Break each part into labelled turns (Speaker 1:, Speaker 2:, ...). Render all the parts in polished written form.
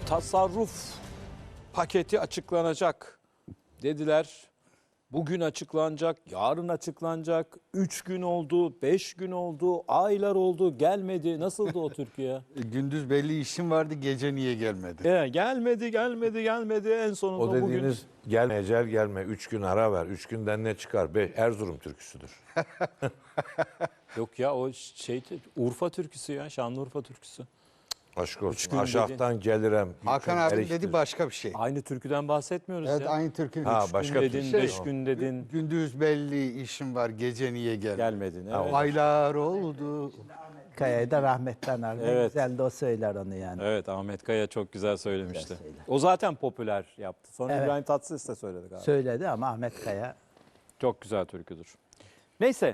Speaker 1: tasarruf paketi açıklanacak dediler. Bugün açıklanacak, yarın açıklanacak. 3 gün oldu, 5 gün oldu, aylar oldu, gelmedi. Nasıldı o Türkiye?
Speaker 2: Gündüz belli işim vardı, gece niye gelmedi?
Speaker 1: Gelmedi. En sonunda
Speaker 3: O
Speaker 1: bugün...
Speaker 3: dediğiniz gelme ecel gelme 3 gün ara ver 3 günden ne çıkar? Erzurum türküsüdür.
Speaker 1: Yok ya o Urfa türküsü ya, Şanlıurfa türküsü.
Speaker 3: Aşk olsun.
Speaker 1: gün
Speaker 3: Aşağıdan gelirem.
Speaker 2: Hakan abi dedi başka bir şey.
Speaker 1: Aynı türküden bahsetmiyoruz
Speaker 2: Evet,
Speaker 1: ya.
Speaker 2: aynı türkü.
Speaker 3: Ha,
Speaker 2: Üç
Speaker 3: başka
Speaker 2: gün
Speaker 3: bir
Speaker 1: Dedin,
Speaker 3: şey.
Speaker 1: 5 gün dedin.
Speaker 2: Gündüz belli işim var, gece niye gelmedi?
Speaker 1: Gelmedin. Evet.
Speaker 2: Aylar oldu.
Speaker 4: Kaya'yı da rahmetten aldı.
Speaker 1: Evet.
Speaker 4: Güzel de o söyler onu yani.
Speaker 1: Evet, Ahmet Kaya çok güzel söylemişti.
Speaker 4: Güzel söyler.
Speaker 1: O zaten popüler yaptı. Sonra
Speaker 4: Evet.
Speaker 1: İbrahim Tatlıses de söyledi galiba.
Speaker 4: Söyledi ama Ahmet Kaya
Speaker 1: Çok güzel türküdür. Neyse,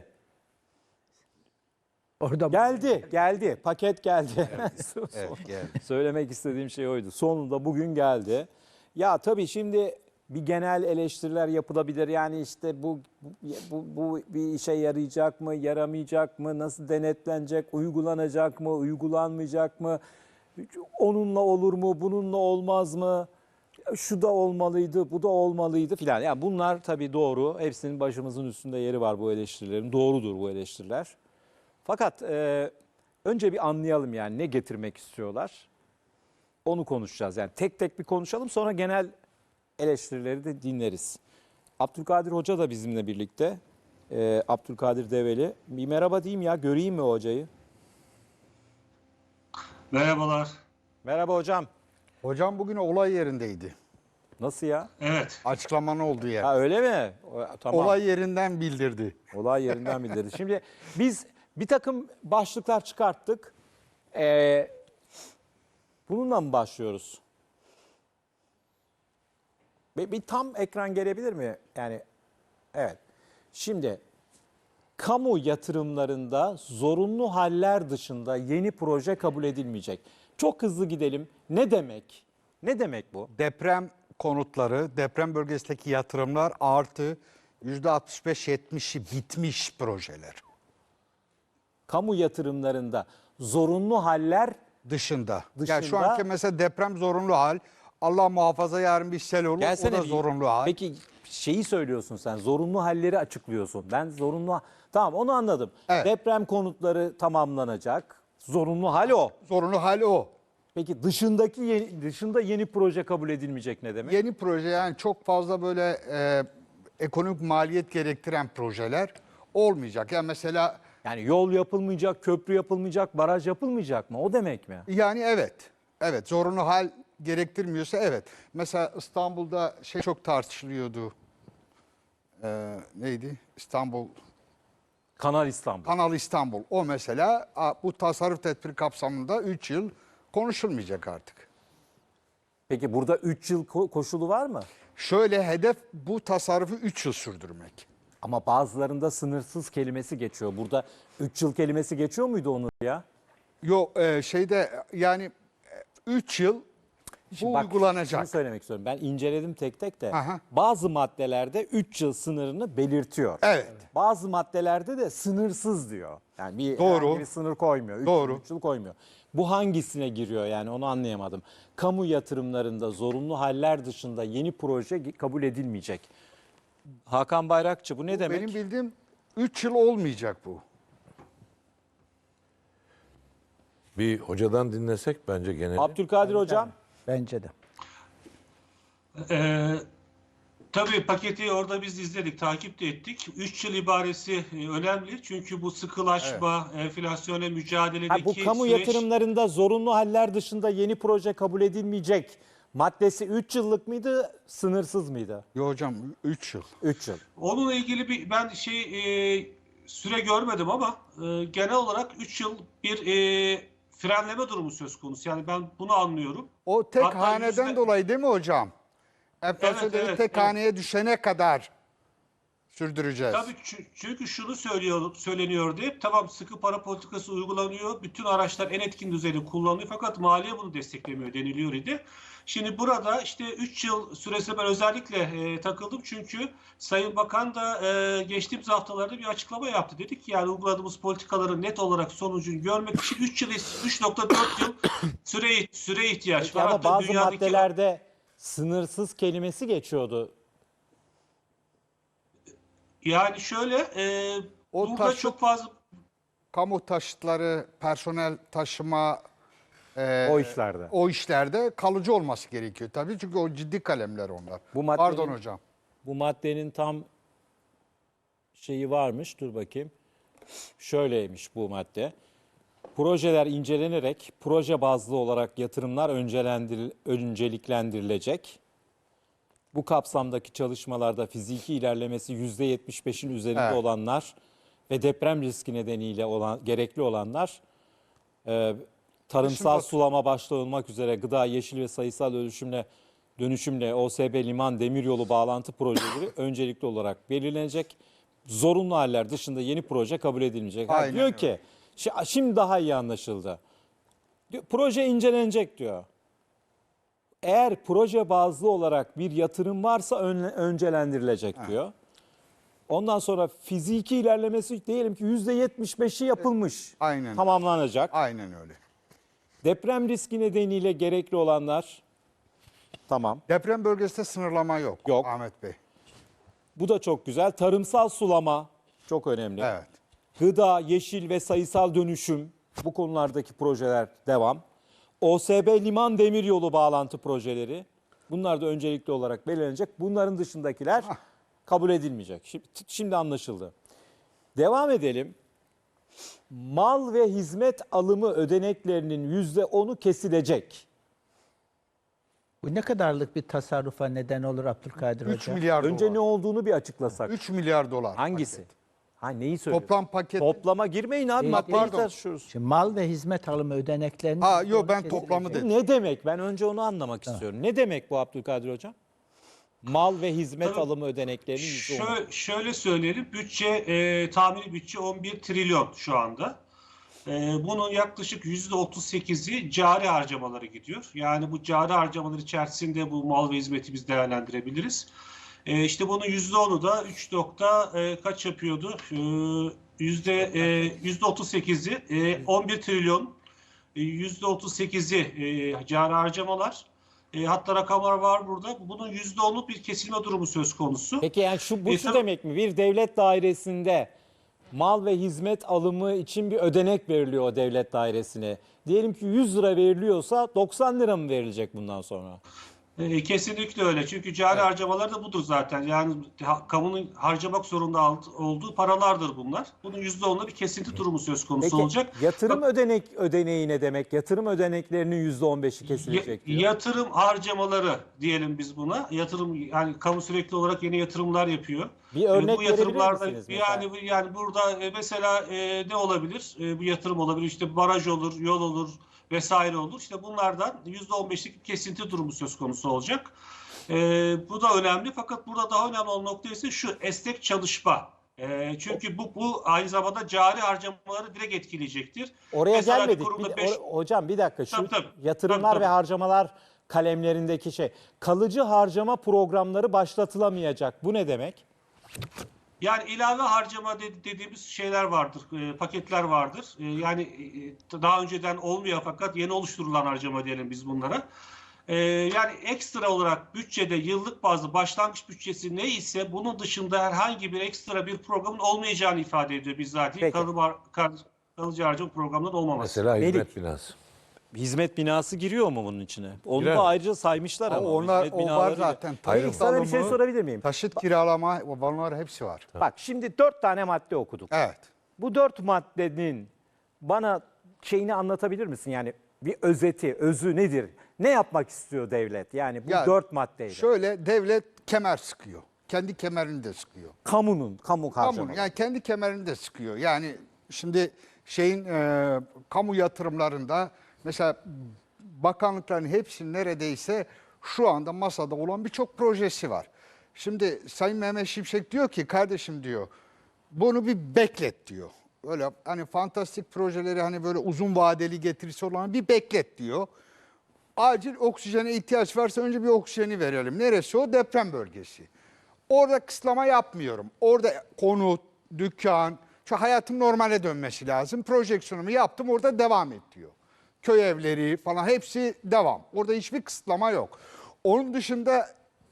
Speaker 4: orada
Speaker 1: geldi. Paket geldi.
Speaker 2: Evet, geldi.
Speaker 1: Söylemek istediğim şey oydu. Sonunda bugün geldi. Ya tabii şimdi bir genel eleştiriler yapılabilir. Yani işte bu bir işe yarayacak mı, yaramayacak mı, nasıl denetlenecek, uygulanacak mı, uygulanmayacak mı, onunla olur mu, bununla olmaz mı, şu da olmalıydı, bu da olmalıydı filan. Yani bunlar tabii doğru. Hepsinin başımızın üstünde yeri var bu eleştirilerin. Doğrudur bu eleştiriler. Fakat önce bir anlayalım yani ne getirmek istiyorlar. Onu konuşacağız. Yani tek tek bir konuşalım, sonra genel eleştirileri de dinleriz. Abdülkadir Hoca da bizimle birlikte. Abdülkadir Develi. Bir merhaba diyeyim ya, göreyim mi hocayı?
Speaker 5: Merhabalar.
Speaker 1: Merhaba hocam.
Speaker 2: Hocam bugün olay yerindeydi.
Speaker 1: Nasıl ya?
Speaker 5: Evet.
Speaker 2: Açıklamanın olduğu yer.
Speaker 1: Ha öyle mi? Tamam.
Speaker 2: Olay yerinden bildirdi.
Speaker 1: Olay yerinden bildirdi. Şimdi biz bir takım başlıklar çıkarttık. Bununla mı başlıyoruz? Bir tam ekran gelebilir mi? Yani evet. Şimdi kamu yatırımlarında zorunlu haller dışında yeni proje kabul edilmeyecek. Çok hızlı gidelim. Ne demek? Ne demek bu?
Speaker 2: Deprem konutları, deprem bölgesindeki yatırımlar artı %65-70'i bitmiş projeler.
Speaker 1: Kamu yatırımlarında zorunlu haller
Speaker 2: Dışında.
Speaker 1: Dışında.
Speaker 2: Yani şu anki mesela deprem zorunlu hal. Allah muhafaza yarın bir sel olur.
Speaker 1: gelsene
Speaker 2: o da
Speaker 1: bir-
Speaker 2: zorunlu hal.
Speaker 1: Peki şeyi söylüyorsun sen. Zorunlu halleri açıklıyorsun. Ben zorunlu tamam onu anladım.
Speaker 2: Evet.
Speaker 1: Deprem konutları tamamlanacak. Zorunlu hal o.
Speaker 2: Zorunlu hal o.
Speaker 1: Peki dışında yeni proje kabul edilmeyecek ne demek?
Speaker 2: Yeni proje yani çok fazla böyle ekonomik maliyet gerektiren projeler olmayacak. Yani mesela
Speaker 1: Yani yol yapılmayacak, köprü yapılmayacak, baraj yapılmayacak mı? O demek mi?
Speaker 2: yani evet. Evet zorunlu hal gerektirmiyorsa evet. Mesela İstanbul'da şey çok tartışılıyordu. Neydi?
Speaker 1: Kanal İstanbul.
Speaker 2: Kanal İstanbul. O mesela bu tasarruf tedbiri kapsamında 3 yıl konuşulmayacak artık.
Speaker 1: Peki burada 3 yıl koşulu var mı?
Speaker 2: Şöyle hedef bu tasarrufu 3 yıl sürdürmek.
Speaker 1: Ama bazılarında sınırsız kelimesi geçiyor. Burada 3 yıl kelimesi geçiyor muydu onu ya?
Speaker 2: Yok şeyde yani 3 yıl bu
Speaker 1: Şimdi bak,
Speaker 2: uygulanacak.
Speaker 1: şunu söylemek istiyorum. Ben inceledim tek tek de.
Speaker 2: Aha.
Speaker 1: Bazı maddelerde 3 yıl sınırını belirtiyor.
Speaker 2: Evet.
Speaker 1: Bazı maddelerde de sınırsız diyor. Yani bir,
Speaker 2: Doğru.
Speaker 1: herhangi bir sınır koymuyor. 3
Speaker 2: Doğru.
Speaker 1: yıl, 3 yıl koymuyor. Bu hangisine giriyor yani onu anlayamadım. Kamu yatırımlarında zorunlu haller dışında yeni proje kabul edilmeyecek. Hakan Bayrakçı bu ne demek?
Speaker 2: Benim bildiğim 3 yıl olmayacak bu.
Speaker 3: Bir hocadan dinlesek bence genel.
Speaker 1: Abdülkadir Hocam.
Speaker 4: bence de.
Speaker 5: Tabii paketi orada biz izledik, takip de ettik. 3 yıl ibaresi önemli. Çünkü bu sıkılaşma, enflasyona mücadeledeki
Speaker 1: Bu kamu
Speaker 5: süreç...
Speaker 1: yatırımlarında zorunlu haller dışında yeni proje kabul edilmeyecek maddesi 3 yıllık mıydı, sınırsız mıydı?
Speaker 2: Yo hocam 3 yıl.
Speaker 1: 3 yıl.
Speaker 5: Onunla ilgili ben süre görmedim ama genel olarak 3 yıl bir frenleme durumu söz konusu. Yani ben bunu anlıyorum.
Speaker 2: O tek
Speaker 5: Hatta
Speaker 2: haneden dolayı değil mi hocam? Enflasyon
Speaker 5: Evet,
Speaker 2: tek
Speaker 5: evet.
Speaker 2: haneye düşene kadar Sürdüreceğiz.
Speaker 5: Tabii çünkü şunu söyleniyordu hep. Tamam, sıkı para politikası uygulanıyor. Bütün araçlar en etkin düzeyde kullanılıyor. Fakat maliye bunu desteklemiyor deniliyor idi. Şimdi burada işte 3 yıl süresine ben özellikle takıldım. Çünkü Sayın Bakan da geçtiğimiz haftalarda bir açıklama yaptı. Dedik ki yani uyguladığımız politikaların net olarak sonucunu görmek için 3,4 yıl süre ihtiyaç
Speaker 1: Peki
Speaker 5: var.
Speaker 1: ama
Speaker 5: Hatta
Speaker 1: bazı
Speaker 5: dünyadaki
Speaker 1: maddelerde sınırsız kelimesi geçiyordu.
Speaker 5: yani şöyle
Speaker 2: O
Speaker 5: burada
Speaker 2: taşıt-
Speaker 5: çok fazla
Speaker 2: Kamu taşıtları, personel taşıma
Speaker 1: O işlerde.
Speaker 2: o işlerde kalıcı olması gerekiyor tabii. Çünkü o ciddi kalemler onlar.
Speaker 1: Bu maddenin-
Speaker 2: Pardon hocam.
Speaker 1: Bu maddenin tam şeyi varmış. Dur bakayım. Şöyleymiş bu madde. Projeler incelenerek proje bazlı olarak yatırımlar önceliklendirilecek. Bu kapsamdaki çalışmalarda fiziki ilerlemesi %75'in üzerinde
Speaker 2: Evet.
Speaker 1: olanlar ve deprem riski nedeniyle gerekli olanlar tarımsal
Speaker 2: Dışında-
Speaker 1: sulama başta olmak üzere gıda, yeşil ve sayısal dönüşümle OSB, liman, demiryolu bağlantı projeleri öncelikli olarak belirlenecek. Zorunlu haller dışında yeni proje kabul edilmeyecek.
Speaker 2: Aynen
Speaker 1: Diyor
Speaker 2: öyle.
Speaker 1: ki şimdi daha iyi anlaşıldı. Proje incelenecek diyor. Eğer proje bazlı olarak bir yatırım varsa öncelendirilecek diyor. Ondan sonra fiziki ilerlemesi diyelim ki %75'i yapılmış.
Speaker 2: Aynen.
Speaker 1: Tamamlanacak.
Speaker 2: Aynen öyle.
Speaker 1: Deprem riski nedeniyle gerekli olanlar tamam.
Speaker 2: Deprem bölgesinde sınırlama yok.
Speaker 1: Yok.
Speaker 2: Ahmet Bey.
Speaker 1: Bu da çok güzel. Tarımsal sulama çok önemli.
Speaker 2: Evet.
Speaker 1: Gıda, yeşil ve sayısal dönüşüm bu konulardaki projeler devam. OSB, liman, demiryolu bağlantı projeleri bunlar da öncelikli olarak belirlenecek. Bunların dışındakiler kabul edilmeyecek. Şimdi anlaşıldı. Devam edelim. Mal ve hizmet alımı ödeneklerinin %10'u kesilecek.
Speaker 4: Bu ne kadarlık bir tasarrufa neden olur Abdülkadir
Speaker 2: 3
Speaker 4: Hoca?
Speaker 2: milyar
Speaker 1: Önce ne
Speaker 2: dolar.
Speaker 1: olduğunu bir açıklasak.
Speaker 2: 3 milyar dolar.
Speaker 1: Hangisi?
Speaker 2: paket.
Speaker 1: Ha neyi söylüyorsun?
Speaker 2: Toplam paket.
Speaker 1: Toplama girmeyin abi.
Speaker 4: Değil,
Speaker 1: Maddeyi
Speaker 2: pardon.
Speaker 1: tartışıyoruz.
Speaker 4: Şimdi mal ve hizmet alımı ödeneklerinin...
Speaker 2: Ha, yok, ben
Speaker 4: kesilecek.
Speaker 2: toplamı dedim.
Speaker 1: Ne demek? Ben önce onu anlamak istiyorum. Ne demek bu Abdülkadir Hocam? Mal ve hizmet
Speaker 5: Tabii.
Speaker 1: alımı ödeneklerinin %10'u.
Speaker 5: Şöyle söyleyelim. Tahmini bütçe 11 trilyon şu anda. Bunun yaklaşık %38'i cari harcamalara gidiyor. Yani bu cari harcamalar içerisinde bu mal ve hizmeti biz değerlendirebiliriz. İşte bunun %10'u da 3 kaç yapıyordu? %38'i 11 trilyon, %38'i cari harcamalar. Hatta rakamlar var burada. Bunun %10'luk bir kesilme durumu söz konusu.
Speaker 1: Peki yani bu şu
Speaker 5: tabii-
Speaker 1: demek mi? Bir devlet dairesinde mal ve hizmet alımı için bir ödenek veriliyor o devlet dairesine. Diyelim ki 100 lira veriliyorsa 90 lira mı verilecek bundan sonra?
Speaker 5: Kesinlikle öyle. Çünkü cari harcamalar da budur zaten. Yani kamunun harcamak zorunda olduğu paralardır bunlar. Bunun %10'da bir kesinti durumu söz konusu
Speaker 1: Peki
Speaker 5: olacak.
Speaker 1: yatırım ödeneği ne demek? Yatırım ödeneklerinin %15'i kesilecek diyor.
Speaker 5: Yatırım harcamaları diyelim biz buna. Yatırım, yani kamu sürekli olarak yeni yatırımlar yapıyor.
Speaker 1: Bir örnek
Speaker 5: Bu
Speaker 1: verebilir
Speaker 5: yatırımlarda
Speaker 1: misiniz mesela?
Speaker 5: yani burada mesela ne olabilir? Bu yatırım olabilir. İşte baraj olur, yol olur vesaire olur. İşte bunlardan %15'lik bir kesinti durumu söz konusu olacak. Bu da önemli. Fakat burada daha önemli olan nokta ise şu esnek çalışma. Çünkü bu aynı zamanda cari harcamaları direkt etkileyecektir.
Speaker 1: Oraya
Speaker 5: Mesela bir
Speaker 1: gelmedik.
Speaker 5: kurumda
Speaker 1: Hocam bir dakika. Şu
Speaker 5: Tabii.
Speaker 1: yatırımlar
Speaker 5: Tabii.
Speaker 1: ve harcamalar kalemlerindeki kalıcı harcama programları başlatılamayacak. Bu ne demek?
Speaker 5: Yani ilave harcama dediğimiz şeyler vardır, paketler vardır. Yani daha önceden olmuyor fakat yeni oluşturulan harcama diyelim biz bunlara. Yani ekstra olarak bütçede yıllık bazı başlangıç bütçesi ne ise bunun dışında herhangi bir ekstra bir programın olmayacağını ifade ediyor bizzat.
Speaker 1: Peki.
Speaker 5: Kalıcı harcama programının olmaması.
Speaker 3: Mesela hizmet
Speaker 1: Melik.
Speaker 3: binası.
Speaker 1: Hizmet binası giriyor mu bunun içine? Onu
Speaker 3: Girer.
Speaker 1: da ayrıca saymışlar ama.
Speaker 2: Onlar,
Speaker 1: hizmet
Speaker 2: o var
Speaker 1: binaları-
Speaker 2: zaten.
Speaker 3: Ayrı.
Speaker 2: Taşıt
Speaker 1: Sana bir şey
Speaker 2: alımı,
Speaker 1: sorabilir miyim?
Speaker 2: Taşıt kiralama, onlar hepsi var.
Speaker 1: Bak şimdi 4 tane madde okuduk.
Speaker 2: Evet.
Speaker 1: Bu 4 maddenin bana şeyini anlatabilir misin? Yani bir özeti, özü nedir? Ne yapmak istiyor devlet? Yani bu
Speaker 2: Ya,
Speaker 1: 4 maddeyle.
Speaker 2: Şöyle devlet kemer sıkıyor. Kendi kemerini de sıkıyor.
Speaker 1: Kamu
Speaker 2: Kamu,
Speaker 1: harcamaları.
Speaker 2: yani kendi kemerini de sıkıyor. Yani şimdi kamu yatırımlarında mesela bakanlıkların hepsinin neredeyse şu anda masada olan birçok projesi var. Şimdi Sayın Mehmet Şimşek diyor ki kardeşim diyor bunu bir beklet diyor. Öyle hani fantastik projeleri hani böyle uzun vadeli getirisi olan bir beklet diyor. Acil oksijene ihtiyaç varsa önce bir oksijeni verelim. Neresi o? Deprem bölgesi. Orada kısıtlama yapmıyorum. Orada konut, dükkan, şu hayatın normale dönmesi lazım. Projeksiyonumu yaptım orada devam et diyor. Köy evleri falan hepsi devam. Orada hiçbir kısıtlama yok. Onun dışında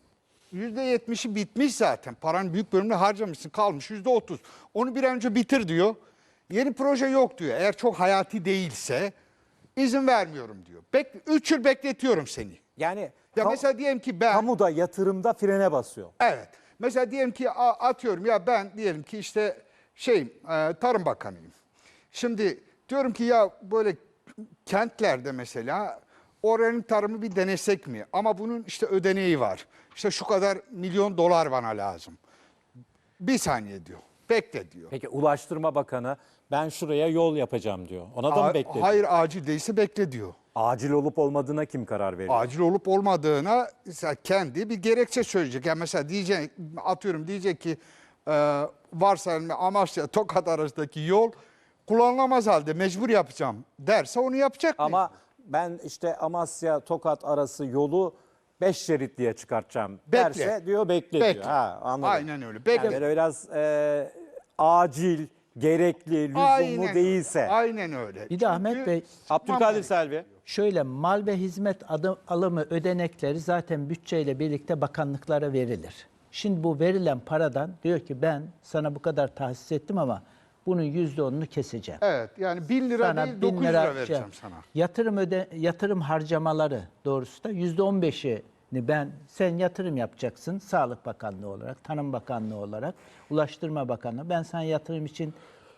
Speaker 2: %70'i bitmiş zaten. Paranın büyük bölümünü harcamışsın, kalmış %30. Onu bir an önce bitir diyor. Yeni proje yok diyor. Eğer çok hayati değilse izin vermiyorum diyor. 3 yıl bekletiyorum seni.
Speaker 1: Yani
Speaker 2: Ya mesela diyelim ki ben...
Speaker 1: kamuda yatırımda frene basıyor.
Speaker 2: Evet. Mesela diyelim ki atıyorum ya ben diyelim ki işte Tarım Bakanıyım. Şimdi diyorum ki ya böyle kentlerde mesela oranın tarımı bir denesek mi? Ama bunun işte ödeneği var. İşte şu kadar milyon dolar bana lazım. Bir saniye diyor. Bekle diyor.
Speaker 1: Peki Ulaştırma Bakanı ben şuraya yol yapacağım diyor. Ona da mı bekletiyor?
Speaker 2: Hayır acil değilse bekle diyor.
Speaker 1: Acil olup olmadığına kim karar veriyor?
Speaker 2: Acil olup olmadığına kendi bir gerekçe söyleyecek. Yani mesela diyecek ki varsayalım Amasya Tokat arasındaki yol kullanılamaz halde mecbur yapacağım derse onu yapacak mı?
Speaker 1: Ama ben işte Amasya Tokat arası yolu 5 şerit diye çıkartacağım
Speaker 2: Bekle.
Speaker 1: derse diyor bekle
Speaker 2: Bekle.
Speaker 1: diyor. Ha, anladım.
Speaker 2: Aynen öyle. Bekle.
Speaker 1: Yani böyle biraz acil, gerekli, lüzumlu değilse.
Speaker 2: Aynen öyle.
Speaker 4: Bir de Ahmet Bey,
Speaker 1: Abdülkadir Selvi.
Speaker 4: şöyle mal ve hizmet alımı ödenekleri zaten bütçeyle birlikte bakanlıklara verilir. Şimdi bu verilen paradan diyor ki ben sana bu kadar tahsis ettim ama bunun %10'unu keseceğim.
Speaker 2: Evet yani 1000 lira
Speaker 4: Sana
Speaker 2: değil
Speaker 4: 1000
Speaker 2: 900 lira
Speaker 4: lira
Speaker 2: vereceğim sana.
Speaker 4: Yatırım harcamaları doğrusu da %15'ini sen yatırım yapacaksın Sağlık Bakanlığı olarak, Tarım Bakanlığı olarak, Ulaştırma Bakanlığı. Ben sana yatırım için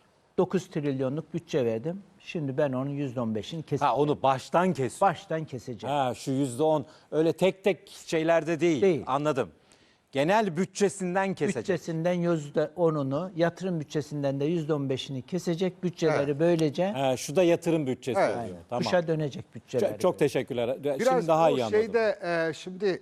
Speaker 4: 9 trilyonluk bütçe verdim. Şimdi ben onun %15'ini keseceğim.
Speaker 1: Ha onu baştan kesiyor.
Speaker 4: Baştan keseceğim.
Speaker 1: Ha şu %10 öyle tek tek şeylerde değil.
Speaker 4: Değil.
Speaker 1: Anladım. Genel bütçesinden kesecek.
Speaker 4: Bütçesinden %10'unu, yatırım bütçesinden de %15'ini kesecek. Bütçeleri böylece
Speaker 1: Ha, şu da yatırım bütçesi
Speaker 2: Evet.
Speaker 1: oluyor. Tamam.
Speaker 4: dışa dönecek bütçeler.
Speaker 1: Çok teşekkürler.
Speaker 2: Biraz
Speaker 1: Şimdi daha
Speaker 2: o
Speaker 1: iyi anladım.
Speaker 2: şimdi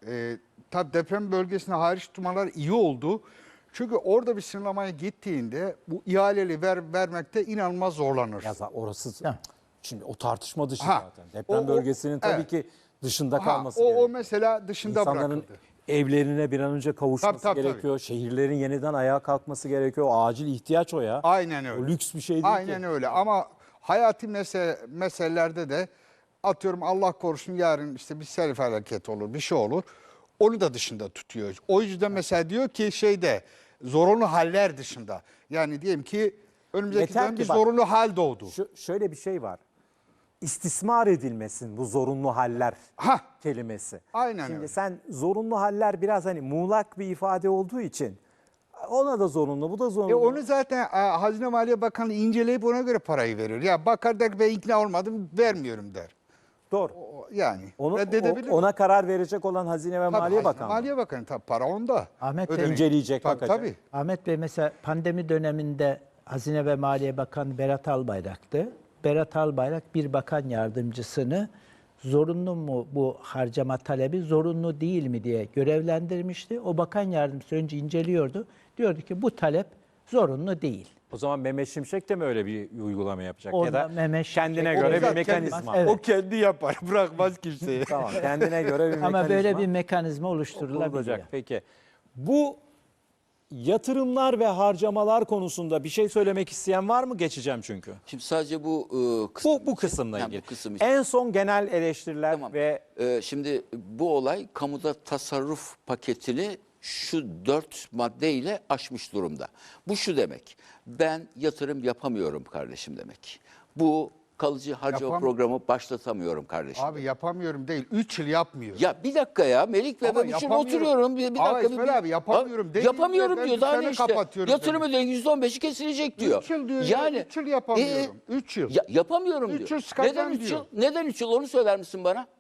Speaker 2: tabii deprem bölgesine hariç tutmalar iyi oldu. Çünkü orada bir sınırlamaya gittiğinde bu ihaleli vermekte inanılmaz zorlanır.
Speaker 1: Ya orası
Speaker 4: Ha.
Speaker 1: şimdi o tartışma dışı
Speaker 2: Ha.
Speaker 1: zaten. Deprem bölgesinin tabii
Speaker 2: evet.
Speaker 1: ki dışında
Speaker 2: Ha,
Speaker 1: kalması gerekiyor.
Speaker 2: o mesela dışında
Speaker 1: İnsanların
Speaker 2: bırakıldı.
Speaker 1: evlerine bir an önce kavuşması
Speaker 2: Tabii.
Speaker 1: gerekiyor. Şehirlerin yeniden ayağa kalkması gerekiyor. O acil ihtiyaç o ya.
Speaker 2: Aynen öyle.
Speaker 1: O lüks bir şey değil
Speaker 2: Aynen
Speaker 1: ki.
Speaker 2: öyle ama hayati meselelerde de atıyorum Allah korusun yarın işte bir sel felaketi olur, bir şey olur. Onu da dışında tutuyor. O yüzden mesela diyor ki zorunlu haller dışında. Yani diyelim ki önümüzdeki
Speaker 1: Yeter
Speaker 2: dönem
Speaker 1: ki
Speaker 2: bir
Speaker 1: bak,
Speaker 2: zorunlu hal doğdu.
Speaker 1: Şöyle bir şey var. İstismar edilmesin bu zorunlu haller
Speaker 2: Hah.
Speaker 1: kelimesi.
Speaker 2: Aynen
Speaker 1: Şimdi
Speaker 2: öyle.
Speaker 1: sen zorunlu haller biraz hani muğlak bir ifade olduğu için ona da zorunlu, bu da zorunlu.
Speaker 2: Onu zaten Hazine Maliye Bakanı inceleyip ona göre parayı verir. Ya bakar der ben ikna olmadım vermiyorum der.
Speaker 1: Doğru.
Speaker 2: Yani
Speaker 1: Onu,
Speaker 2: reddedebilir.
Speaker 1: ona karar verecek olan Hazine ve
Speaker 2: Tabii,
Speaker 1: Maliye
Speaker 2: Hazine
Speaker 1: Bakanı.
Speaker 2: Maliye Bakanı tabii para onda.
Speaker 4: Ahmet Bey
Speaker 2: Ödenek.
Speaker 1: inceleyecek,
Speaker 2: Tabii,
Speaker 1: bakacak.
Speaker 2: tabii.
Speaker 4: Ahmet Bey mesela pandemi döneminde Hazine ve Maliye Bakanı Berat Albayrak'tı. Berat Albayrak bir bakan yardımcısını zorunlu mu bu harcama talebi, zorunlu değil mi diye görevlendirmişti. O bakan yardımcısı önce inceliyordu. Diyordu ki bu talep zorunlu değil.
Speaker 1: O zaman Mehmet Şimşek de mi öyle bir uygulama yapacak? Ya
Speaker 4: Onda
Speaker 1: da
Speaker 4: Mehmet Şimşek-
Speaker 1: kendine
Speaker 4: O
Speaker 1: göre bir
Speaker 2: zaten
Speaker 1: mekanizma.
Speaker 4: Evet.
Speaker 2: O kendi yapar bırakmaz kimseye.
Speaker 1: Tamam, kendine göre bir mekanizma.
Speaker 4: Ama böyle bir mekanizma oluşturulabiliyor.
Speaker 1: olacak. Peki. Bu yatırımlar ve harcamalar konusunda bir şey söylemek isteyen var mı? Geçeceğim çünkü.
Speaker 6: Şimdi sadece bu kısım
Speaker 1: Bu
Speaker 6: için-
Speaker 1: kısımla
Speaker 6: Ha,
Speaker 1: ilgili.
Speaker 6: bu kısım için.
Speaker 1: En son genel eleştiriler
Speaker 6: Tamam.
Speaker 1: ve
Speaker 6: Şimdi bu olay kamuda tasarruf paketini şu 4 maddeyle aşmış durumda. Bu şu demek. Ben yatırım yapamıyorum kardeşim demek. Bu kalıcı harcama programı başlatamıyorum kardeşim.
Speaker 2: Abi yapamıyorum değil. 3 yıl yapmıyor.
Speaker 6: Ya bir dakika ya Melik Bey
Speaker 2: Ama
Speaker 6: ben için
Speaker 2: yapamıyorum.
Speaker 6: oturuyorum. Bir
Speaker 2: Ama
Speaker 6: dakika.
Speaker 2: İsmail abi yapamıyorum değil.
Speaker 6: Yapamıyorum
Speaker 2: Ben
Speaker 6: diyor. Daha ne
Speaker 2: dükkanı
Speaker 6: işte.
Speaker 2: kapatıyorum
Speaker 6: Yatırım
Speaker 2: demek.
Speaker 6: ödeneği %15'i kesilecek diyor.
Speaker 2: 3 yıl diyor.
Speaker 6: Yani,
Speaker 2: Yani 3 yıl yapamıyorum. 3 yıl.
Speaker 6: yapamıyorum
Speaker 2: Üç
Speaker 6: diyor.
Speaker 2: yıl sıkacağım
Speaker 6: Neden 3
Speaker 2: diyor.
Speaker 6: yıl? Neden 3 yıl? Onu söyler misin bana?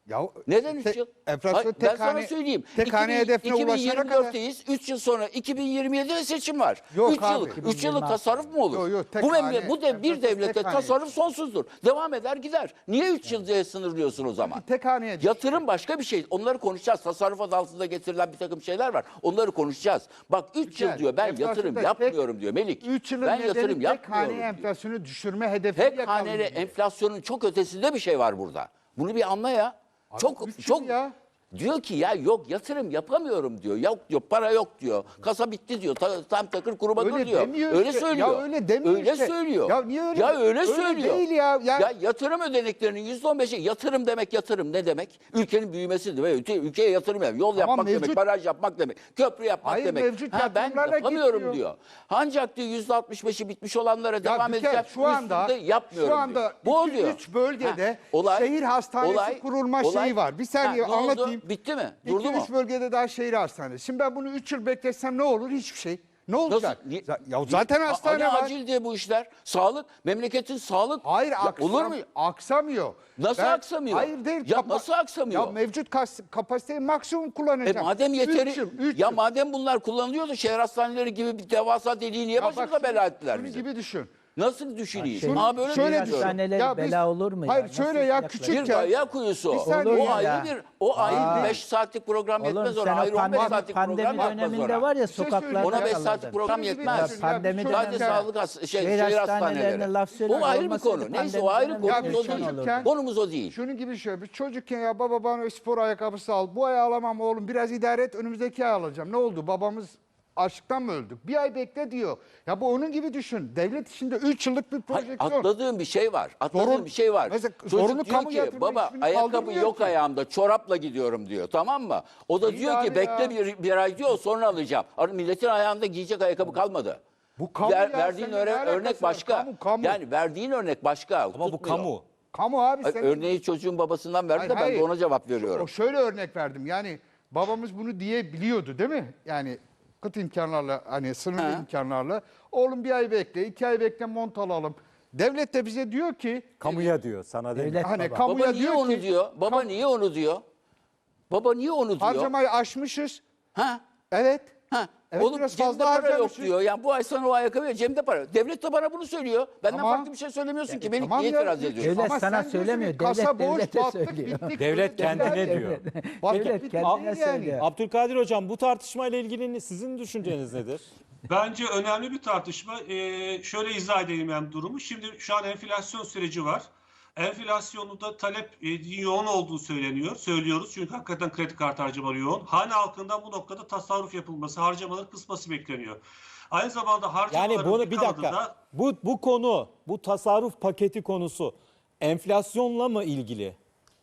Speaker 2: Ya,
Speaker 6: Neden 3 yıl?
Speaker 2: Enflasyon
Speaker 6: Hayır, ben sana söyleyeyim.
Speaker 2: tek hane hedefine ulaşana kadar.
Speaker 6: 2024'teyiz. 3 yıl sonra 2027'de seçim var.
Speaker 2: Yok
Speaker 6: 3
Speaker 2: abi.
Speaker 6: yıllık 3 yıllık tasarruf mu olur?
Speaker 2: Yok, yok, tek
Speaker 6: bu
Speaker 2: hane,
Speaker 6: bu bir
Speaker 2: enflasyon
Speaker 6: devlette
Speaker 2: tek hane.
Speaker 6: tasarruf sonsuzdur. Devam eder gider. Niye 3 yıl diye sınırlıyorsun o zaman?
Speaker 2: Tek haneye düştü.
Speaker 6: Yatırım başka bir şey. Onları konuşacağız. Tasarruf adı altında getirilen bir takım şeyler var. Onları konuşacağız. Bak 3 yıl
Speaker 2: Güzel.
Speaker 6: diyor ben
Speaker 2: Enflasyonda
Speaker 6: yatırım
Speaker 2: tek-
Speaker 6: yapmıyorum diyor Melik.
Speaker 2: 3 yılın
Speaker 6: Ben
Speaker 2: nedeni
Speaker 6: yatırım
Speaker 2: tek
Speaker 6: yapmıyorum.
Speaker 2: hane
Speaker 6: diyor.
Speaker 2: enflasyonu düşürme hedefi
Speaker 6: Tek haneli enflasyonun çok ötesinde bir şey var burada. Bunu bir anla ya. Çok
Speaker 2: üç yıl
Speaker 6: çok
Speaker 2: ya.
Speaker 6: diyor ki ya yok yatırım yapamıyorum diyor. Yok diyor para yok diyor. Kasa bitti diyor. Tam takır kuruma dur
Speaker 2: Öyle
Speaker 6: diyor.
Speaker 2: demiyor
Speaker 6: Öyle
Speaker 2: işte.
Speaker 6: söylüyor.
Speaker 2: Ya öyle demiyor
Speaker 6: Öyle
Speaker 2: işte.
Speaker 6: söylüyor.
Speaker 2: Ya niye öyle-
Speaker 6: Ya öyle
Speaker 2: öyle
Speaker 6: söylüyor.
Speaker 2: değil ya.
Speaker 6: Ya yatırım ödeneklerinin %15'i yatırım demek yatırım ne demek? Ülkenin büyümesi demek. Ülkeye yatırım demek. Yol yapmak demek,
Speaker 2: mevcut-
Speaker 6: baraj yapmak demek, köprü yapmak
Speaker 2: Hayır,
Speaker 6: demek.
Speaker 2: mevcut
Speaker 6: Ben
Speaker 2: yatırımlarla
Speaker 6: yapamıyorum
Speaker 2: geçiyor.
Speaker 6: diyor. Ancak diyor %65'i bitmiş olanlara
Speaker 2: Ya
Speaker 6: devam
Speaker 2: bir kere
Speaker 6: edeceğim.
Speaker 2: şu anda
Speaker 6: Üstünde yapmıyorum
Speaker 2: şu anda
Speaker 6: diyor. Bu oluyor.
Speaker 2: 2-3 bölgede
Speaker 6: Ha,
Speaker 2: şehir hastanesi kurulma şeyi var. Bir saniye
Speaker 6: ne oldu?
Speaker 2: anlatayım.
Speaker 6: Bitti mi? Durdu mu?
Speaker 2: 2-3 bölgede daha şehir hastanesi. Şimdi ben bunu 3 yıl beklesem ne olur? Hiçbir şey. Ne olacak?
Speaker 6: Niye-
Speaker 2: Ya zaten hastane
Speaker 6: Hani
Speaker 2: var.
Speaker 6: acil diye bu işler. Sağlık, memleketin sağlık.
Speaker 2: Hayır
Speaker 6: Ya olur mu?
Speaker 2: aksamıyor.
Speaker 6: Nasıl aksamıyor?
Speaker 2: Hayır değil.
Speaker 6: Ya nasıl aksamıyor?
Speaker 2: Ya mevcut kapasiteyi maksimum kullanacak.
Speaker 6: Madem yeteri,
Speaker 2: Üç
Speaker 6: ya
Speaker 2: yıl.
Speaker 6: madem bunlar kullanılıyordu şehir hastaneleri gibi bir devasa deliği niye
Speaker 2: Ya bak
Speaker 6: başımıza bela ettiler
Speaker 2: şunu
Speaker 6: bizi?
Speaker 2: gibi düşün.
Speaker 6: Nasıl düşüneyim?
Speaker 4: Şunu-
Speaker 6: Ha böyle
Speaker 2: şöyle
Speaker 6: şöyle
Speaker 2: düşün.
Speaker 4: hastaneleri
Speaker 2: Ya biz-
Speaker 4: bela olur mu ya?
Speaker 2: Hayır
Speaker 4: Nasıl
Speaker 2: şöyle ya
Speaker 4: yaklaşık?
Speaker 6: Bir
Speaker 2: küçükken.
Speaker 6: gaya kuyusu.
Speaker 2: Bir saniye
Speaker 6: O
Speaker 2: ya.
Speaker 6: ayrı o ayrı 5 saatlik program
Speaker 4: Oğlum
Speaker 6: yetmez
Speaker 4: sen
Speaker 6: ona.
Speaker 4: o
Speaker 6: Ayrı 15 saatlik
Speaker 4: pandemi
Speaker 6: program yapmaz
Speaker 4: döneminde
Speaker 6: ona.
Speaker 4: var ya
Speaker 2: Bir şey
Speaker 4: sokaklarda
Speaker 2: söyleyeyim.
Speaker 6: Ona 5
Speaker 4: kalırdın.
Speaker 6: saatlik program
Speaker 2: Şunu gibi
Speaker 6: yetmez.
Speaker 2: düşün.
Speaker 4: Pandemi
Speaker 2: bir
Speaker 6: Sadece
Speaker 2: çocukken-
Speaker 6: sağlık şehir
Speaker 4: Şehir hastanelerine
Speaker 6: hastaneleri.
Speaker 4: laf söylüyor.
Speaker 6: O ayrı bir
Speaker 4: Olmasaydı
Speaker 6: konu. Neyse
Speaker 4: pandemi
Speaker 6: o ayrı
Speaker 4: dönemi
Speaker 6: konumuz o
Speaker 2: bir
Speaker 6: değil.
Speaker 2: çocukken-
Speaker 6: Konumuz o değil.
Speaker 2: Şunun gibi şöyle bir çocukken ya bana spor ayakkabısı al. Bu ay alamam oğlum biraz idare et önümüzdeki ay alacağım. Ne oldu babamız açlıktan mı öldük? Bir ay bekle diyor. Ya bu onun gibi düşün. Devlet içinde 3 yıllık bir
Speaker 6: Hayır,
Speaker 2: projeksiyon.
Speaker 6: atladığım bir şey var. Atladığım
Speaker 2: Zorun-
Speaker 6: bir şey var.
Speaker 2: Mesela
Speaker 6: Çocuk
Speaker 2: zorunlu
Speaker 6: diyor
Speaker 2: kamu
Speaker 6: ki
Speaker 2: yatırımı
Speaker 6: baba
Speaker 2: hiçbirini
Speaker 6: ayakkabı
Speaker 2: kaldırmıyor
Speaker 6: yok
Speaker 2: ki."
Speaker 6: ayağımda çorapla gidiyorum diyor tamam mı? O da
Speaker 2: İyi
Speaker 6: diyor ki
Speaker 2: abi
Speaker 6: bekle
Speaker 2: ya.
Speaker 6: bir ay diyor sonra alacağım. Milletin ayağında giyecek ayakkabı kalmadı.
Speaker 2: Bu kamu ya,
Speaker 6: Verdiğin
Speaker 2: senin ne alakası
Speaker 6: örnek
Speaker 2: var?
Speaker 6: başka.
Speaker 2: Kamu.
Speaker 6: Yani verdiğin örnek başka.
Speaker 1: Ama bu
Speaker 6: tutmuyor.
Speaker 1: kamu.
Speaker 2: Kamu abi
Speaker 6: Hayır,
Speaker 2: senin.
Speaker 6: örneği çocuğun babasından verdi de ben
Speaker 2: Hayır,
Speaker 6: de ona cevap veriyorum.
Speaker 2: O şöyle örnek verdim. Yani babamız bunu diyebiliyordu değil mi? Yani kıt imkanlarla hani sınırlı
Speaker 6: Ha.
Speaker 2: imkanlarla. Oğlum bir ay bekle, 2 ay bekle mont alalım. Devlet de bize diyor ki
Speaker 1: Kamuya diyor sana değil.
Speaker 4: Devlet
Speaker 2: hani
Speaker 4: baba.
Speaker 2: kamuya
Speaker 6: Baba niye
Speaker 2: diyor
Speaker 6: onu
Speaker 2: ki
Speaker 6: diyor? Baba niye onu diyor? Baba niye onu diyor?
Speaker 2: harcamayı aşmışız.
Speaker 6: Ha?
Speaker 2: Evet.
Speaker 6: Ha.
Speaker 2: Evet,
Speaker 6: Oğlum
Speaker 2: biraz
Speaker 6: cebimde
Speaker 2: fazla
Speaker 6: para yok
Speaker 2: harcamışız.
Speaker 6: diyor. Yani bu ay sana o ayakkabı cebimde para. Devlet de bana bunu söylüyor. Benden
Speaker 2: Tamam.
Speaker 6: farklı bir şey söylemiyorsun ki. Beni
Speaker 2: Tamam
Speaker 6: niye
Speaker 2: ya,
Speaker 6: itiraz ediyorsun?
Speaker 4: Devlet
Speaker 2: Ama
Speaker 4: sana
Speaker 2: sen diyorsun
Speaker 4: söylemiyor,
Speaker 2: ki, kasa
Speaker 4: devlet
Speaker 2: boş,
Speaker 4: devlete
Speaker 2: battık,
Speaker 4: söylüyor.
Speaker 2: bittik,
Speaker 1: Devlet
Speaker 2: böyle
Speaker 1: kendine
Speaker 2: devlet-
Speaker 1: diyor.
Speaker 2: Battık,
Speaker 4: Devlet
Speaker 2: bittik
Speaker 4: kendine
Speaker 2: yani.
Speaker 4: söylüyor.
Speaker 1: Abdülkadir Hocam bu tartışmayla ilgili sizin düşünceniz nedir?
Speaker 5: Bence önemli bir tartışma. Şöyle izah edeyim ben durumu. Şimdi şu an enflasyon süreci var. Enflasyonda talep yoğun olduğu söylüyoruz. Çünkü hakikaten kredi kartı harcamaları yoğun. Hane halkından bu noktada tasarruf yapılması, harcamaları kısması bekleniyor. Aynı zamanda harcamaların
Speaker 1: Yani bunu bir
Speaker 5: kanadı
Speaker 1: dakika.
Speaker 5: da
Speaker 1: Bu konu, bu tasarruf paketi konusu enflasyonla mı ilgili?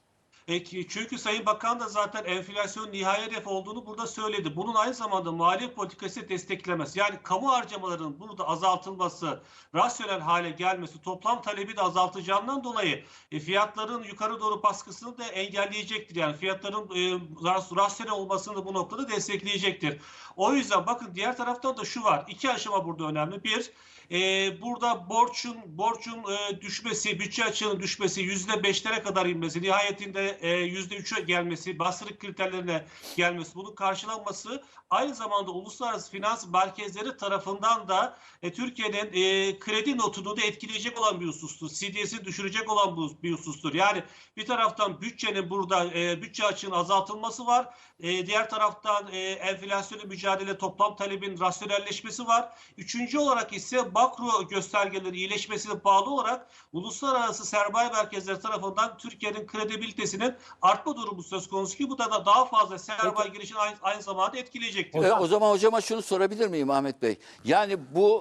Speaker 5: Çünkü Sayın Bakan da zaten enflasyon nihai hedef olduğunu burada söyledi. Bunun aynı zamanda maliye politikası desteklemez. Yani kamu harcamalarının burada azaltılması, rasyonel hale gelmesi, toplam talebi de azaltacağından dolayı fiyatların yukarı doğru baskısını da engelleyecektir. Yani fiyatların rasyonel olmasını da bu noktada destekleyecektir. O yüzden bakın diğer taraftan da şu var. 2 aşama burada önemli. Bir, burada borçun düşmesi, bütçe açığının düşmesi, %5'lere kadar inmesi, nihayetinde %3'e gelmesi, bastırık kriterlerine gelmesi, bunun karşılanması aynı zamanda uluslararası finans merkezleri tarafından da Türkiye'nin kredi notunu da etkileyecek olan bir husustur. CDS'i düşürecek olan bir husustur. Yani bir taraftan bütçenin burada bütçe açığının azaltılması var. Diğer taraftan enflasyonla mücadele, toplam talebin rasyonelleşmesi var. Üçüncü olarak ise makro göstergeleri iyileşmesine bağlı olarak uluslararası sermaye merkezleri tarafından Türkiye'nin kredibilitesinin artma durumu söz konusu ki bu da daha fazla sermaye girişini aynı zamanda etkileyecektir.
Speaker 6: O zaman hocama şunu sorabilir miyim Ahmet Bey? Yani bu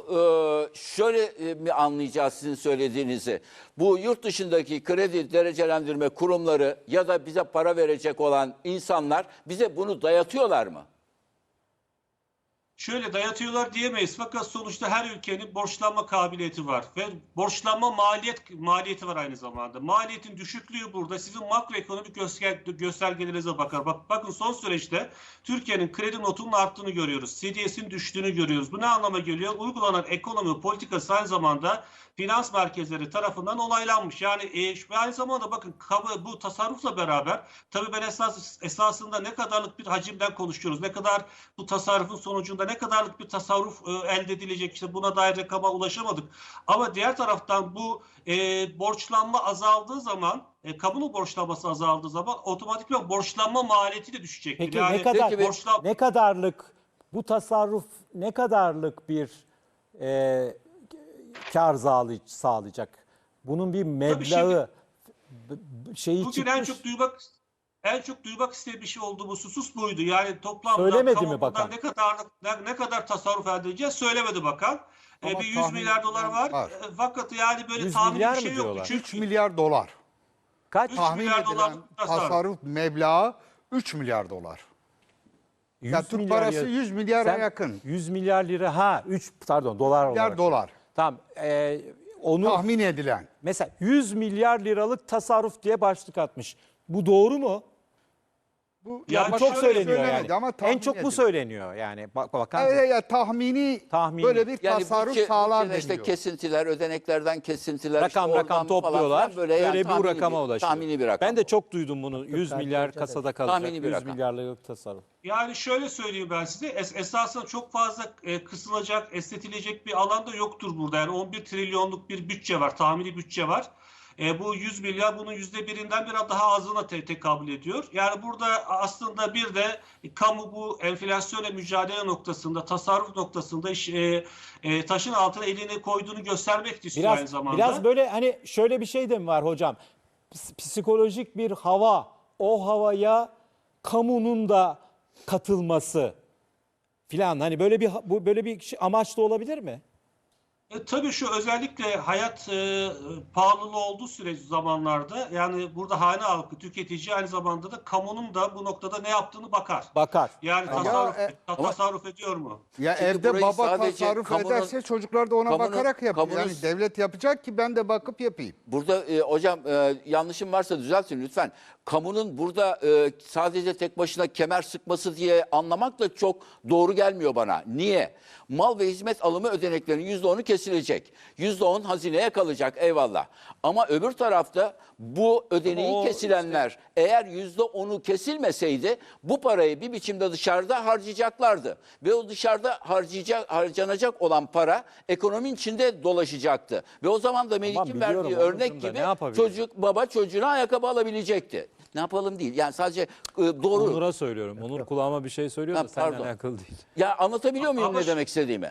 Speaker 6: şöyle mi anlayacağız sizin söylediğinizi? Bu yurt dışındaki kredi derecelendirme kurumları ya da bize para verecek olan insanlar bize bunu dayatıyorlar mı?
Speaker 5: Şöyle dayatıyorlar diyemeyiz fakat sonuçta her ülkenin borçlanma kabiliyeti var ve borçlanma maliyeti var aynı zamanda. Maliyetin düşüklüğü burada sizin makroekonomik göstergelerinize bakar. Bakın son süreçte Türkiye'nin kredi notunun arttığını görüyoruz. CDS'in düştüğünü görüyoruz. Bu ne anlama geliyor? Uygulanan ekonomi politikası aynı zamanda finans merkezleri tarafından onaylanmış. Yani aynı zamanda bakın bu tasarrufla beraber tabii ben esasında ne kadarlık bir hacimden konuşuyoruz. Ne kadar bu tasarrufun sonucunda ne kadarlık bir tasarruf elde edilecek işte buna dair rakama ulaşamadık. Ama diğer taraftan bu borçlanma azaldığı zaman kamunun borçlanması azaldığı zaman otomatikman borçlanma maliyeti de düşecektir.
Speaker 1: Peki
Speaker 5: Yani
Speaker 1: ne kadarlık bu tasarruf ne kadarlık bir kar sağlayacak? Bunun bir meblağı şeyi
Speaker 5: bugün
Speaker 1: çıkmış.
Speaker 5: en çok duymak istediği bir şey oldu bu husus buydu. Yani toplamda
Speaker 1: Söylemedi mi bakan?
Speaker 5: ne kadar tasarruf elde edeceğiz söylemedi bakan.
Speaker 2: Ama
Speaker 5: Bir 100 milyar dolar var. Fakat yani böyle
Speaker 1: 100
Speaker 5: tahmin
Speaker 1: milyar
Speaker 5: bir
Speaker 1: mı
Speaker 5: şey yok.
Speaker 1: diyorlar?
Speaker 2: 3 milyar dolar.
Speaker 1: Kaç?
Speaker 5: 3
Speaker 2: Tahmin
Speaker 5: milyar
Speaker 2: edilen
Speaker 5: dolarlık
Speaker 2: tasarruf meblağı 3 milyar dolar.
Speaker 1: 100
Speaker 2: Ya Türk
Speaker 1: milyar
Speaker 2: parası 100 milyara
Speaker 1: Sen
Speaker 2: yakın.
Speaker 1: 100 milyar lira 3 pardon dolar
Speaker 2: Milyar
Speaker 1: olarak.
Speaker 2: dolar.
Speaker 1: Tamam. Onu
Speaker 2: Tahmin edilen.
Speaker 1: mesela 100 milyar liralık tasarruf diye başlık atmış. Bu doğru mu?
Speaker 2: Bu
Speaker 5: Yani
Speaker 1: Bu çok
Speaker 5: şöyle
Speaker 1: söyleniyor
Speaker 2: söylemedi
Speaker 1: yani.
Speaker 2: ama tahmin
Speaker 1: En çok bu
Speaker 2: ediliyor.
Speaker 1: söyleniyor yani. Bakan
Speaker 2: Evet, ya tahmini böyle bir
Speaker 6: Yani
Speaker 2: tasarruf
Speaker 6: bütçe-
Speaker 2: sağlar
Speaker 6: bütçede işte
Speaker 2: deniyor.
Speaker 6: kesintiler, ödeneklerden kesintiler.
Speaker 1: rakam
Speaker 6: işte oradan falan
Speaker 1: topluyorlar.
Speaker 6: filan
Speaker 1: Böyle
Speaker 6: yani
Speaker 1: bir
Speaker 6: tahmini
Speaker 1: rakama ulaşıyor.
Speaker 6: Tahmini bir rakam.
Speaker 1: Ben de çok duydum bunu. 100 milyar kasada kalacak.
Speaker 6: Tahmini bir
Speaker 1: 100
Speaker 6: rakam.
Speaker 1: milyarlık tasarruf.
Speaker 5: Yani şöyle söyleyeyim ben size. Esasında çok fazla kısılacak, esnetilecek bir alan da yoktur burada. Yani 11 trilyonluk bir bütçe var, tahmini bütçe var. Bu 100 milyar bunun %1'inden biraz daha azına tekabül ediyor. Yani burada aslında bir de kamu bu enflasyonla mücadele noktasında, tasarruf noktasında taşın altına elini koyduğunu göstermek istiyor aynı zamanda.
Speaker 1: Biraz böyle hani şöyle bir şey de mi var hocam? Psikolojik bir hava, o havaya kamunun da katılması filan hani böyle bir amaç da olabilir mi?
Speaker 5: Tabii şu özellikle hayat pahalılığı olduğu zamanlarda yani burada hane halkı, tüketici aynı zamanda da kamunun da bu noktada ne yaptığını bakar.
Speaker 1: Bakar.
Speaker 5: Yani tasarruf ediyor mu?
Speaker 2: Ya
Speaker 6: Şimdi
Speaker 2: evde
Speaker 6: burayı
Speaker 2: baba
Speaker 6: sadece
Speaker 2: tasarruf
Speaker 6: kamunun-
Speaker 2: ederse çocuklar da ona
Speaker 6: kamunun-
Speaker 2: bakarak yapıyor.
Speaker 6: kamunun-
Speaker 2: Yani devlet yapacak ki ben de bakıp yapayım.
Speaker 6: Burada hocam yanlışım varsa düzeltin lütfen. Kamunun burada sadece tek başına kemer sıkması diye anlamak da çok doğru gelmiyor bana. Niye? Mal ve hizmet alımı ödeneklerinin %10'u kesilecek. %10 hazineye kalacak eyvallah. Ama öbür tarafta bu ödeneği kesilenler eğer %10'u kesilmeseydi bu parayı bir biçimde dışarıda harcayacaklardı. Ve o dışarıda harcanacak olan para ekonominin içinde dolaşacaktı. Ve o zaman da Melik'in
Speaker 1: biliyorum
Speaker 6: verdiği
Speaker 1: Onurcuğum
Speaker 6: örnek
Speaker 1: da
Speaker 6: gibi
Speaker 1: ne yapabilir?
Speaker 6: baba çocuğuna ayakkabı alabilecekti. Ne yapalım değil. Yani sadece doğru.
Speaker 1: Onur'a söylüyorum. Onur kulağıma bir şey söylüyor da
Speaker 6: Ha,
Speaker 1: seninle
Speaker 6: pardon.
Speaker 1: alakalı değil.
Speaker 6: Ya anlatabiliyor muyum
Speaker 5: Ama
Speaker 6: ne demek istediğimi?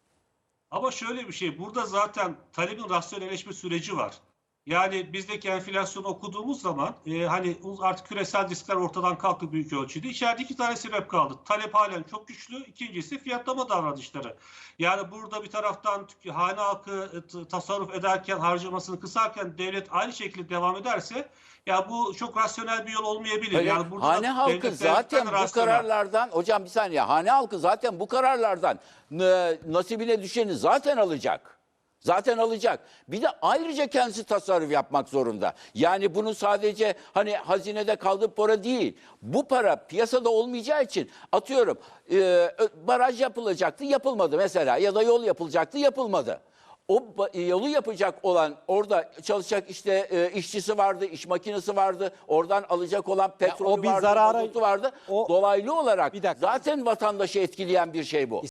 Speaker 5: Ama şöyle bir şey, burada zaten talebin rasyonelleşme süreci var. Yani bizdeki enflasyonu okuduğumuz zaman hani artık küresel riskler ortadan kalktı büyük ölçüde. İçeride iki tane sebep kaldı. Talep halen çok güçlü. İkincisi fiyatlama davranışları. Yani burada bir taraftan hane halkı tasarruf ederken, harcamasını kısarken devlet aynı şekilde devam ederse ya bu çok rasyonel bir yol olmayabilir.
Speaker 6: Hayır,
Speaker 5: Yani burada
Speaker 6: hane halkı
Speaker 5: devlet
Speaker 6: zaten bu
Speaker 5: rasyonel.
Speaker 6: kararlardan hocam bir saniye hane halkı zaten bu kararlardan nasibine düşeni zaten alacak. Zaten alacak. Bir de ayrıca kendisi tasarruf yapmak zorunda. Yani bunun sadece hani hazinede kaldığı para değil. Bu para piyasada olmayacağı için atıyorum baraj yapılacaktı yapılmadı mesela ya da yol yapılacaktı yapılmadı. O yolu yapacak olan orada çalışacak işte işçisi vardı, iş makinesi vardı. Oradan alacak olan petrolü
Speaker 1: o bir
Speaker 6: vardı,
Speaker 1: zarara-
Speaker 6: mazotu vardı.
Speaker 1: o-
Speaker 6: Dolaylı olarak
Speaker 1: Bir dakika.
Speaker 6: zaten vatandaşı etkileyen bir şey bu.